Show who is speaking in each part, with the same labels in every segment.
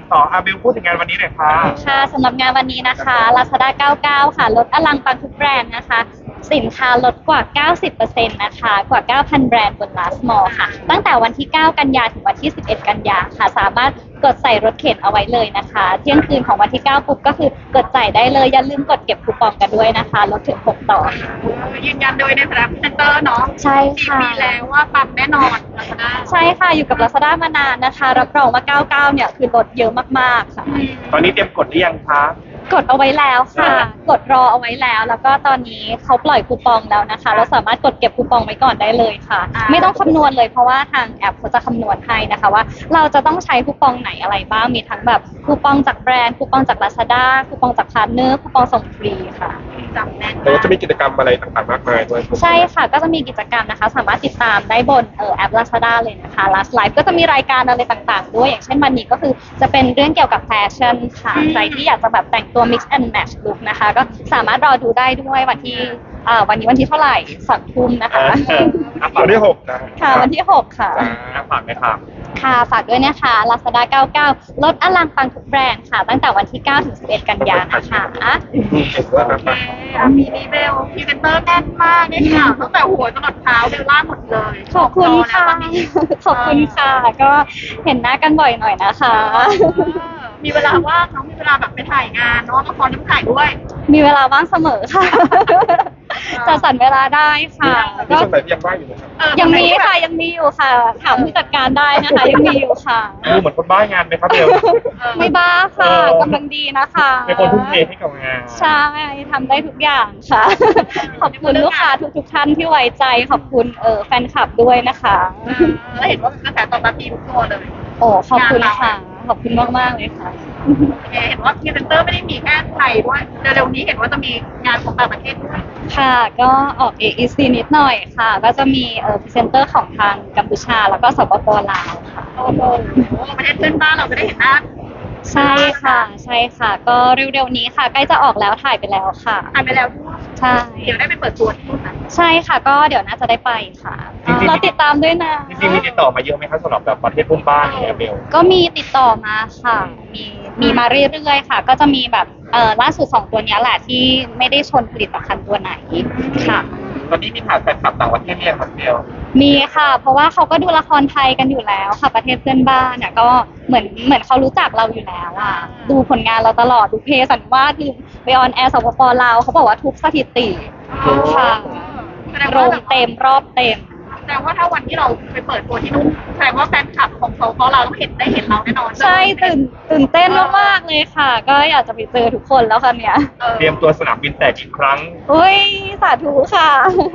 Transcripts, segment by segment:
Speaker 1: ต่ออาเบลพูดถึงงานวันนี้หน่อยค่ะ
Speaker 2: ค่ะสำหรับงานวันนี้นะคะ Lazada 99 ค่ะลดอลังปังทุกแบรนด์นะคะสินค้าลดกว่า 90% นะคะกว่า 9,000 แบรนด์บน Last Mall ค่ะตั้งแต่วันที่ 9 กันยาถึงวันที่ 11 กันยาค่ะสามารถกดใส่รถเข็นเอาไว้เลยนะคะเที่ยงคืนของวันที่ 9 ปุ๊บก็คือกดใส่ได้เลยอย่าลืมกดเก็บคูปองกันด้วยนะคะลดถึง 6 ต่อค่ะ
Speaker 3: ยืนยันโดยในฐานะพรีเซนเตอร์เนาะ
Speaker 2: ใช่ค่ะ
Speaker 3: ปีแล้วว่าปังแน่นอน Lazada
Speaker 2: ใช่ค่ะอยู่กับ Lazada มานานนะคะรับรองว่า 99 เนี่ยคือลดเยอะมากๆค่ะ
Speaker 1: ตอนนี้เตรียมกดหรือยังคะ
Speaker 2: กดเอาไว้แล้วค่ะ กดรอเอาไว้แล้ว แล้วก็ตอนนี้เขาปล่อยคูปองแล้วนะคะ เราสามารถกดเก็บคูปองไว้ก่อนได้เลยค่ะ ไม่ต้องคำนวณเลยเพราะว่าทางแอปเขาจะคำนวณให้นะคะว่าเราจะต้องใช้คูปองไหนอะไรบ้าง มีทั้งแบบคูปองจากแบรนด์ คูปองจาก Lazada คูปองจากพาร์ทเนอร์ คูปองส่งฟรีค่ะ
Speaker 3: จำแน่น
Speaker 4: แล้วก็จะมีกิจกรรมอะไรต่างๆมากมายด้วย
Speaker 2: ใช่ค่ะ ก็จะมีกิจกรรมนะคะ สามารถติดตามได้บนแอป Lazada เลยนะคะ Last Life ก็จะมีรายการอะไรต่างๆ ด้วย อย่างเช่นวันนี้ก็คือจะเป็นเรื่องเกี่ยวกับแฟชั่นค่ะ ใครที่อยากจะแบบแต่งตัว mix and match look นะคะ ก็สามารถรอดูได้ด้วยวันที่วันนี้วันที่เท่าไหร่2 ทุ่มนะคะ
Speaker 4: วันที่6นะ
Speaker 2: ค่ะวันที่ 6 ค่ะ
Speaker 1: ฝากไหมครับ
Speaker 2: ค่ะฝากด้วยนะคะ Lazada 99 ลดอลังปังทุกแบรนด์ค่ะ ตั้งแต่วันที่ 9 ถึง 11 กันยายนนะคะ
Speaker 4: เก่งด้วยนะ
Speaker 3: มีดีเบลพรีเซนเตอร์แน่นมากได้ข่าวตั้งแต่หัวจรดเท้าเบลล่าหมดเลย
Speaker 2: ขอบคุณค่ะ ขอบคุณค่ะ ก็เห็นหน้ากันบ่อยหน่อยนะคะ
Speaker 3: มีเวลาว่างน้องมีเวลาแบบไปถ่ายงานเนาะละครน้ำถ่ายด้วย
Speaker 2: มีเวลาว่างเสมอค่ะ จะสรรเวลาได้ค่ะ
Speaker 4: มี
Speaker 2: ก็
Speaker 4: ส่วนไหนที่ยังว่างอยู่ไหมครับ
Speaker 2: ยังมีค่ะยังมีอยู่ค่ะ ถามผู้จัดการได้นะคะ ยังมีอยู่ค่ะ
Speaker 1: ดูเหมือนคนบ้างานไหมครับเบล
Speaker 2: ไม่บ้าค่ะกำลังดีนะคะ
Speaker 1: เป็นคนทุ่มเทให้กับงาน
Speaker 2: ใช่ทำได้ทุกอย่างค่ะ ขอบคุณลูกค้าทุกท่านที่ไว้ใจขอบคุณแฟนคลับด้วยนะคะ
Speaker 3: แล้วเห็นว่ากระแสตอบรับดีทุกตัวเลย
Speaker 2: โอ้ขอบคุณค่ะ ขอบคุณมากๆเลยค่ะ
Speaker 3: เห็นว่าพรีเซนเตอร์ไม่ได้มีแค่ไทยด้วยเร็วๆนี้เห็นว่าจะมีงานของต่างประเทศด้วย
Speaker 2: ค่ะก็ออก AEC นิดหน่อยค่ะ ก็จะมีพรีเซนเตอร์ของทางกัมพูชาแล้วก็สปปลาวค่ะ
Speaker 3: โอ้โหประเทศเพื่อนบ้านเราจะได้เห็นหน้า
Speaker 2: ใช่ค่ะใช่ค่ะ ก็เร็วๆนี้ค่ะ ใกล้จะออกแล้วถ่ายไปแล้วค่ะ
Speaker 3: ถ่ายไปแล้วด้วย
Speaker 2: ใช่
Speaker 3: เดี๋ยวได้ไปเปิดตัวที่นู่นนะ
Speaker 2: ใช่ค่ะ ก็เดี๋ยวน่าจะได้ไปค่ะ
Speaker 1: จริงๆ
Speaker 2: เราติดตามด้วยนะ
Speaker 1: จริงๆมีติดต่อมาเยอะไหมครับสำหรับแบบประเทศเพื่อนบ้านเนี่ยเบล
Speaker 2: ก็มีติดต่อมาค่ะ มีมาเรื่อยๆค่ะ ก็จะมีแบบล่าสุด2 ตัวเนี้ยแหละที่ไม่ได้ชนผลิตภัณฑ์ตัวไหนค่ะ
Speaker 1: ตอนนี้มีฐานแฟนคลับต่างประเทศเรียกครับเบล
Speaker 2: มีค่ะ เพราะว่าเขาก็ดูละครไทยกันอยู่แล้วค่ะ ประเทศเพื่อนบ้านเนี่ยก็เหมือนเขารู้จักเราอยู่แล้วอ่ะดูผลงานเราตลอดดูเพสันวาดดูไปออนแอร์สปปลาวเขาบอกว่าทุกสถิติค่ะโรงเต็มรอบเต็ม
Speaker 3: แสดงว่าถ้าวันที่เราไปเปิดตัวที่นู่นแสดงว่าแฟนคลับของเขาเราต้องได้เห็นเราแน่นอน
Speaker 2: ใช่ตื่นเต้นมากๆเลยค่ะ ก็อยากจะไปเจอทุกคนแล้วค่ะเนี่ย
Speaker 1: เตรียมตัวสนามบินแตกอีกครั้ง
Speaker 2: อุ้ยสาธุค่ะ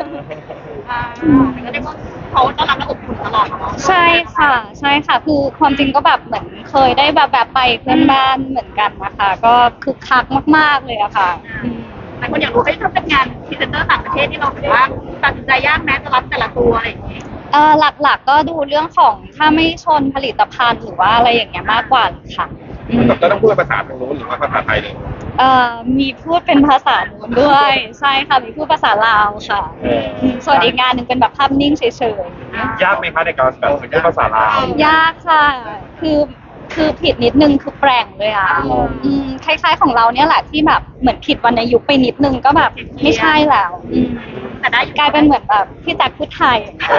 Speaker 3: ก็เรียกว่าเขาต้อนรับและอบอุ่นตลอดเนาะ
Speaker 2: ใช่ค่ะใช่ค่ะ คือความจริงก็แบบเหมือนเคยได้แบบไปเพื่อนบ้านเหมือนกันนะคะ ก็คึกคักมากๆเลยอะค่ะ
Speaker 3: หลายคนอยากรู้ให้ถ้าเป็นงานพรีเซนเตอร์ต่างประเทศที่เราถือว่าตัดสินใจยากแม้จะรับแต่ละตัวอะไรอย่างเงี้ย
Speaker 2: หลักๆก็ดูเรื่องของถ้าไม่ชนผลิตภัณฑ์หรือว่าอะไรอย่างเงี้ยมากกว่าค่ะ
Speaker 4: แบบจะต้องพูดภาษาทางนู้นหรือว่าภาษาไทยเลย
Speaker 2: มีพูดเป็นภาษานู้นด้วย ใช่ค่ะมีพูดภาษาลาวค่ะส่วนอีกงานหนึ่งเป็นแบบภาพนิ่งเฉยๆ
Speaker 1: ยากไหมคะในการแบบพูดภาษาลาวย
Speaker 2: ากค่ะ คือผิดนิดนึงคือแปลงเลยอ่ะคล้ายๆของเราเนี่ยแหละที่แบบเหมือนผิดวรรณยุกต์ไปนิดนึงก็แบบไม่ใช่แล้ว
Speaker 3: แต่ได้
Speaker 2: กลายเป็นเหมือนแบบพี่แจ็คพูดไทย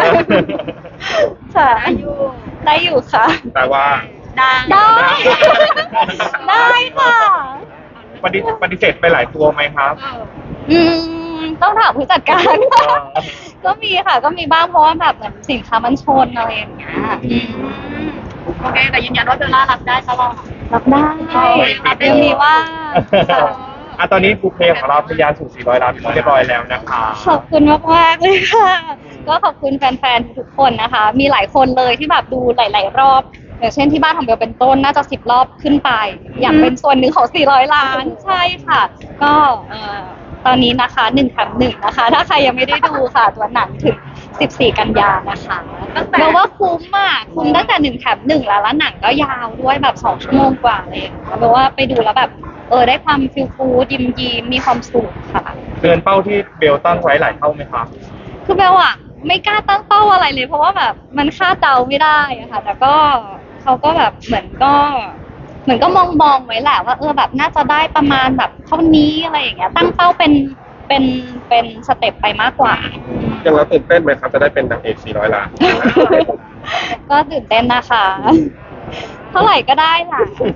Speaker 2: ค่ะ
Speaker 3: ได้อยู่
Speaker 2: ได้อยู่ค่ะ
Speaker 4: แต่ว่า
Speaker 3: ได้
Speaker 2: ได้ ได้ค่ะ
Speaker 1: ปฏิเสธไปหลายตัวไหมครับ
Speaker 2: ต้องถามผู้จัดการก็มีค่ะ ก็มีบ้างเพราะว่าแบบเหมือนสินค้ามันชนอะไรอย่างเงี้ย
Speaker 3: โอเคแต่ยืนยันว่าเบลล่ารับได้ตลอด
Speaker 2: รับได้
Speaker 3: รับได้
Speaker 2: เดี๋ยวมีว่าค่ะ
Speaker 1: ตอนนี้บูเพลของเราทะยานสู่400 ล้านเรียบร้อยแล้วนะคะ
Speaker 2: ขอบคุณมากๆเลยค่ะ ก็ขอบคุณแฟนๆทุกคนนะคะ มีหลายคนเลยที่แบบดูหลายๆรอบ อย่างเช่นที่บ้านของเบลเป็นต้นน่าจะ10 รอบขึ้นไป อยากเป็นส่วนหนึ่งของ400 ล้านใช่ค่ะ ก็ตอนนี้นะคะ1 แถม 1นะคะ ถ้าใครยังไม่ได้ดูค่ะ ตัวหนังถึง14 กันยานะคะเบลว่าคุ้มมากคุ้มตั้งแต่1 แถม 1แล้วหนังก็ยาวด้วยแบบ2 ชั่วโมงกว่าเลยเบลว่าไปดูแล้วแบบได้ความฟิลฟูยิ้มมีความสุขค่ะ
Speaker 1: เกินเป้าที่เบลตั้งไว้หลายเท่าไหมครับ
Speaker 2: คือเบลอะไม่กล้าตั้งเป้าอะไรเลย เพราะว่าแบบมันคาดเดาไม่ได้อะค่ะ แต่ก็เขาก็แบบเหมือนก็เหมือนก็มองไว้แหละว่าแบบน่าจะได้ประมาณแบบเท่านี้อะไรอย่างเงี้ยตั้งเป้าเป็นสเต็ปไปมากกว่า
Speaker 4: ยังเราตื่นเต้นไหมครับจะได้เป็นนางเอก400 ล้าน
Speaker 2: ก็ตื่นเต้นนะคะ เท่าไหร่ก็ได้ค่ะ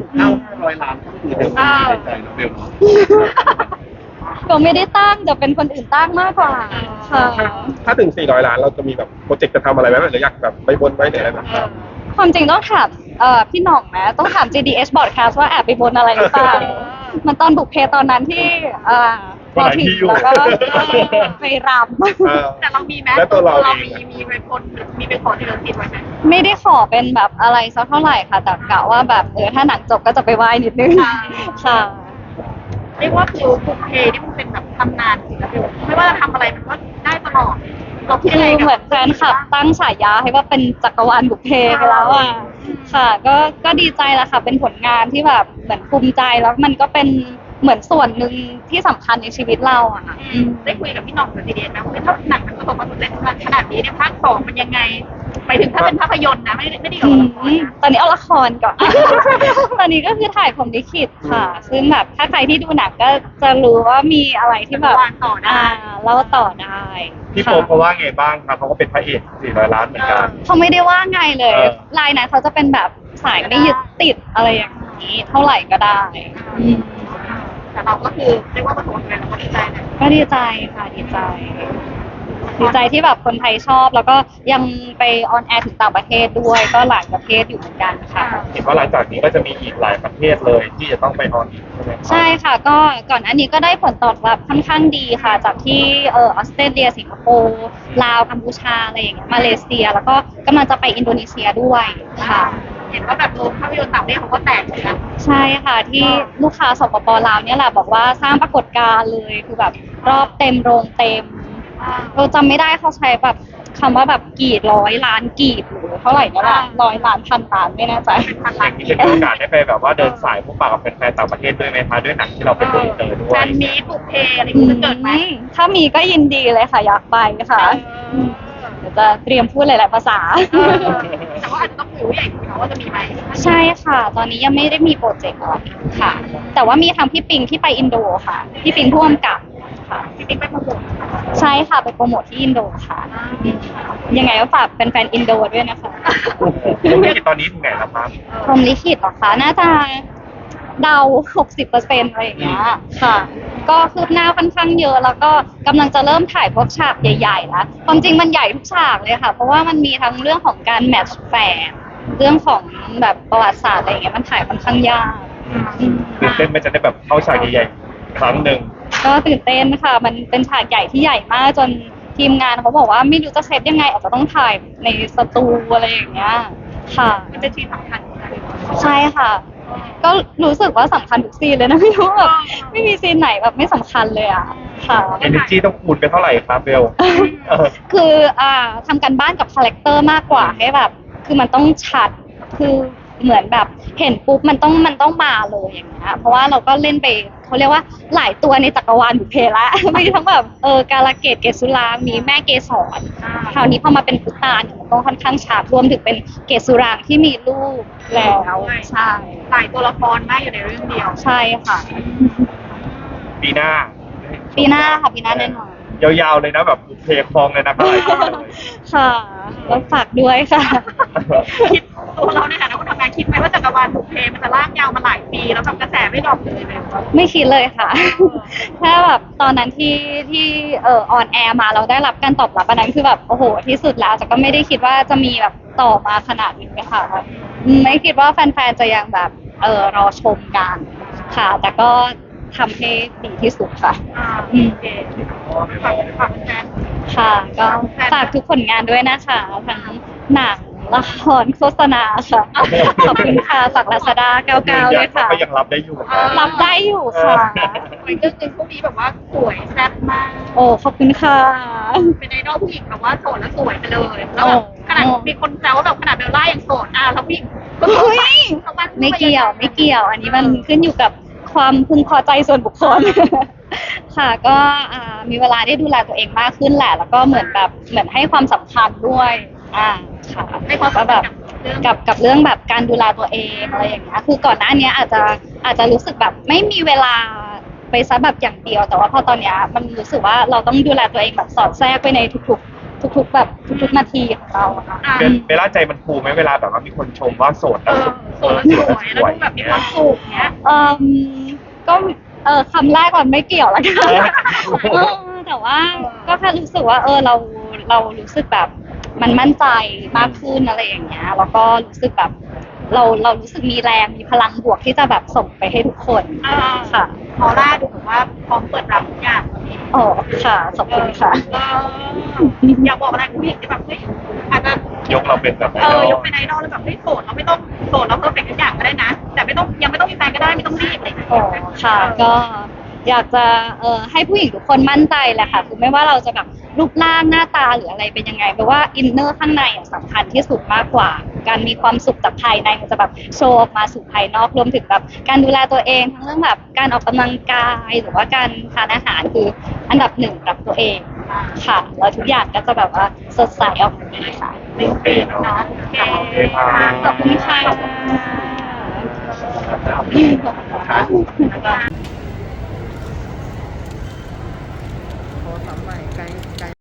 Speaker 4: 500 ล้านก็คือในใจน้องเบลเนาะ
Speaker 2: ก็ไม่ได้ตั้งจะเป็นคนอื่นตั้งมากกว่าค่ะ
Speaker 4: ถ้าถึง400 ล้านเราจะมีแบบโปรเจกต์จะทำอะไรไหมหรืออยากแบบไปบนไว้หรืออะไรแบบนั้น
Speaker 2: ความจริงต้องถามพี่หน่องนะต้องถาม GDS Broadcast ว่าแอบไปบนอะไรหรือเปล่ามันตอนบุกเพตอนนั้นที่พอถึงแล้วก็ไปรำ
Speaker 3: แต่เรามีไหม
Speaker 4: แล้วตัวเราเอง
Speaker 3: มีไปพ้นมีไปขอที่เราติดไว้ไหม
Speaker 2: ไม่ได้ขอเป็นแบบอะไรสักเท่าไหร่ค่ะแต่กะว่าแบบถ้าหนังจบก็จะไปไหว้นิดนึงค่ะ
Speaker 3: เรียกว่าคือบุกเพนี่มันเป็นแบบตำนานจริงนะพี่ไม่ว่าจะทำอะไรมันก็ได้ตลอดเราคิด
Speaker 2: คื
Speaker 3: อะไร
Speaker 2: อ
Speaker 3: กับ
Speaker 2: เหมือนแฟนคลับตั้งฉายาให้ว่าเป็นจักรวาลบุพเพไปแล้วอ่ะค่ะ ก็ดีใจแหละค่ะเป็นผลงานที่แบบเหมือนภูมิใจแล้วมันก็เป็นเหมือนส่วนหนึ่งที่สำคัญในชีวิตเราอ่ะ
Speaker 3: ได้คุยกับพี่หน่องกับดีเดนนะว่าถ้าหนังมันประสบความสำเร็จขนาดนี้เนี่ยภาค2มันยังไงไปถึงถ้าเป็นภาพยนตร์นะไม่ได้เกี่ยวกับละครนะ
Speaker 2: ตอนนี้เอาละครก่อน ตอนนี้ก็คือถ่ายผมลิขิตค่ะ ซึ่งแบบถ้าใครที่ดูหนังก็จะรู้ว่ามีอะไรที่แบบ
Speaker 3: วางต่อได้
Speaker 2: เล่าต่อได้
Speaker 1: พี่โฟ
Speaker 2: ค่ะ
Speaker 1: มเขาว่าไงบ้างครับเขาก็เป็นพระเอก400 ล้านเหมือนกัน
Speaker 2: เขาไม่ได้ว่าไงเลย
Speaker 1: เออ
Speaker 2: ลายนั้นเขาจะเป็นแบบสายไม่ยึดติดอะไรอย่างนี้ เท่าไหร่ก็ได้อืม
Speaker 3: แต่เราก็คือเรียกว่าประสบความสำเร็จเราก็ดีใจนะ
Speaker 2: ก็ดีใจค่ะดีใจ ดีใจที่แบบคนไทยชอบ แล้วก็ยังไปออนแอร์ถึงต่างประเทศด้วย ก็หลายประเทศอยู่เหมือนกันค่ะ
Speaker 1: เห็นว่าหลังจากนี้ก็จะมีอีกหลายประเทศเลยที่จะต้องไปออนอีกใช่ไหมครับ
Speaker 2: ใช่ค่ะก็ก่อนอันนี้ก็ได้ผลตอบรับค่อนข้างดีค่ะ จากที่ออสเตรเลียสิงคโปร์ลาวกัมพูชาอะไรอย่างเงี้ยมาเลเซีย แล้วก็กำลังจะไปอินโดนีเซียด้วยค่ะ
Speaker 3: เห็นว่าแบบโรงภาพยนตร์ต่างประเทศเขาก็แตกเหมือนกัน
Speaker 2: ใช่ค่ะที่ลูกค้าสปปลาวเนี่ยแหละบอกว่าสร้างปรากฏการณ์เลยคือแบบรอบเต็มโรงเต็มเราจำไม่ได้เขาใช้แบบคำว่าแบบกี่ร้อยล้านกีบหรือเท่าไหร่ก็ได้100 ล้านพันล้านไม่แน่ใจ
Speaker 1: อย่างนี้จะมีโอกาสได้ไปแบบว่าเดินสายพบปะกับแฟนๆต่างประเทศด้วยไหมคะด้วยหนังที่เราเป็นตัวอินเตอร์ด้ว
Speaker 3: แฟ
Speaker 1: ย
Speaker 3: นมีบุกเพอะไรอย่างเงี้ยจะเกิดไหม
Speaker 2: ถ้ามีก็ยินดีเลยค่ะอยากไปค่ะเดี๋ยวจะเตรียมพูดหลายๆภาษา
Speaker 3: แต่ว่าอาจจะต้องคุยใหญ่คุยเขาว่าจะมีไหม
Speaker 2: ใช่ค่ะ ตอนนี้ยังไม่ได้มีโปรเจกต์อะไรค่ะ แต่ว่ามีทางพี่ปิงที่ไปอินโดค่ะพี่ปิงพ่วงกับค่ะ
Speaker 3: พี่ติ๊กไปโปรโมท
Speaker 2: ใช่ค่ะไปโปรโมทที่อินโดค่ะ ยังไงก็ฝากเป็นแฟนๆอินโดด้วยนะคะ
Speaker 1: ธุรกิจตอนนี้ถึงไหนแล้วครับ
Speaker 2: พรหมลิขิตเหรอคะน่าจะเดา 60%อะไรอย่างเงี้ยค่ะ ก็คืบหน้าค่อนข้างเยอะ แล้วก็กำลังจะเริ่มถ่ายพวกฉากใหญ่ๆแล้วความจริงมันใหญ่ทุกฉากเลยค่ะ เพราะว่ามันมีทั้งเรื่องของการแมทช์แฟนเรื่องของแบบประวัติศาสตร์อะไรอย่างเงี้ยมันถ่ายค่อนข้างยากอืม
Speaker 1: ตื่นเต้นไหมจะได้แบบเข้าฉากใหญ่ๆครั้งหนึ่ง
Speaker 2: ก็ตื่นเต้นค่ะ มันเป็นฉากใหญ่ที่ใหญ่มากจนทีมงานเขาบอกว่าไม่รู้จะเซตยังไงอาจจะต้องถ่ายในสตูอะไรอย่างเงี้ยค่ะ
Speaker 3: มันจะชีสำคัญเหมือนกัน
Speaker 2: ใช่ค่ะ ก็รู้สึกว่าสำคัญทุกซีนเลยนะไม่รู้แบบไม่มีซีนไหนแบบไม่สำคัญเลยอ่ะค่ะ
Speaker 1: energy ต้องคูณไปเท่าไหร่ครับเบลเออ
Speaker 2: คือทำกันบ้านกับคาแรคเตอร์มากกว่าให้แบบ คือมันต้องชัดคือเหมือนแบบเห็นปุ๊บมันต้องมาเลยอย่างเงี้ยเพราะว่าเราก็เล่นไปเขาเรียกว่าหลายตัวในจักรวาลบุพเพละ มีทั้งแบบกาลเกตเกศสุรางค์มีแม่เกศรคราวนี้พอมาเป็นพุตานเนี่ยมันต้องค่อนข้างชัดรวมถึงเป็นเกศสุรางค์ที่มีลูกแล้วใช่
Speaker 3: หลายตัวละครมากอยู่ในเรื่องเดียว
Speaker 2: ใช่ค่ะ
Speaker 1: ปีหน้า
Speaker 2: ปีหน้าค่ะปีหน้าแน่นอน
Speaker 1: ยาวๆเลยนะแบบบุพเพคลองเลยนะครับหลายคนเลย
Speaker 2: ค่ะแล้วฝากด้วยค่ะ
Speaker 3: คิดตัวเราในฐานะคนทำงานคิดไหมว่าจักรวาลบุกเพมันจะลากยาวมาหลายปีแล้วแบบกระแสไม่ดรอปเลยไหม
Speaker 2: ไม่คิดเลยค่ะ แค่แบบตอนนั้นที่ออนแอร์มาเราได้รับการตอบรับอันนั้นคือแบบโอ้โหที่สุดแล้วแต่ก็ไม่ได้คิดว่าจะมีแบบต่อมาขนาดนี้ค่ะไม่คิดว่าแฟนๆจะยังแบบรอชมกันค่ะ แต่ก็ทำให้ดีที่สุดค่ะ
Speaker 3: โอเคฝากแฟน
Speaker 2: ค่ะ ก็ฝากทุกผลงานด้วยนะคะทั้งหนังละครโฆษณาค่ะ ขอบคุณค่ะฝากลาซาด้า99ด้วยค่ะ
Speaker 1: ก็ยังรับได้อยู่นะ
Speaker 2: รับได้อยู่ค่ะ
Speaker 3: ไปเรื่องหนึงพวกนี้แบบว่าสวยแซ่บมาก
Speaker 2: โอ้ขอบคุณค่ะ
Speaker 3: เป็นไอดอลผู้หญิงแบบว่าโสดแล้วสวยไปเลยแล้วแบบขนาดมีคนแซวว่าแบบขนาดเบลล่ายังโสดแล้วผู้หญิงก็สวย
Speaker 2: ไม่เกี่ยวไม่เกี่ยว อันนี้มันขึ้นอยู่กับความพึงพอใจส่วนบุคคล ค่ะก็มีเวลาได้ดูแลตัวเองมากขึ้นแหละ แล้วก็เหมือนให้ความสำคัญด้วยค่ะ
Speaker 3: ในความ
Speaker 2: ก็
Speaker 3: สัม
Speaker 2: แบ
Speaker 3: พัน
Speaker 2: บ
Speaker 3: ธ์กับ
Speaker 2: กับเรื่องแบบการดูแลตัวเองอะไรอย่างเงี้ยคือก่อนหน้านี้อาจจะรู้สึกแบบไม่มีเวลาไปซะแบบอย่างเดียว แต่ว่าพอตอนเนี้ยมันรู้สึกว่าเราต้องดูแลตัวเองแบบสอดแทรกไปในทุกๆแบบทุกๆนาทีของเราอะค่ะ
Speaker 3: อ่า
Speaker 1: เวลาใจมันฟูไหมเวลาแบบว่ามีคนชมว่าโสด
Speaker 3: เอ
Speaker 1: แล้ว
Speaker 3: อโสดแล้วสวยแล้วดูแบบมีความสุขเนี้ย
Speaker 2: ก็คำแรกก่อนไม่เกี่ยวละกันแต่ว่าก็แค่รู้สึกว่าเรารู้สึกแบบมันมั่นใจมากขึ้นอะไรอย่างเงี้ยแล้วก็รู้สึกแบบเรารู้สึกมีแรงมีพลังบวกที่จะแบบส่งไปให้ทุกคน ค่ะ
Speaker 3: ออร่าดูแบบว่าพร้อมเปิดรับทุกอย่าง
Speaker 2: อ๋อค่ะขอบคุณค่ะ
Speaker 3: อยากบอกอะไรคุณผู้หญิงที่แบบเฮ้ยอาจจะ
Speaker 1: ยกเราเป็นแบบไอดอล
Speaker 3: ยกเป็นไอดอลแล้วแบบเฮ้ยโสดเราไม่ต้องโสดเราเพอร์เฟกต์ทุกอย่างก็ได้นะ แต่ไม่ต้องยังไม่ต้องมีแฟนก็ได้ไม่ต้องรีบอะไรอย่างเงี้ย
Speaker 2: อ๋อค่ะก็อยากจะให้ผู้หญิงทุกคนมั่นใจแหละค่ะคือไม่ว่าเราจะแบบรูปร่างหน้าตาหรืออะไรเป็นยังไงแปลว่าอินเนอร์ข้างในอะสำคัญที่สุดมากกว่า การมีความสุขจากภายในมันจะแบบโชว์ออกมาสู่ภายนอกรวมถึงแบบการดูแลตัวเองทั้งเรื่องแบบการออกกำลังกายหรือว่าการทานอาหารคืออันดับหนึ่งกับตัวเองค่ะแล้วทุกอย่างก็จะแบบว่าสดใสออกมาดีค่ะ
Speaker 1: โอเคเนาะ
Speaker 3: โอเค
Speaker 1: โอเคค่ะ
Speaker 2: ขอบคุณค่ะ
Speaker 5: โทรศัพท์ใหม่ไกล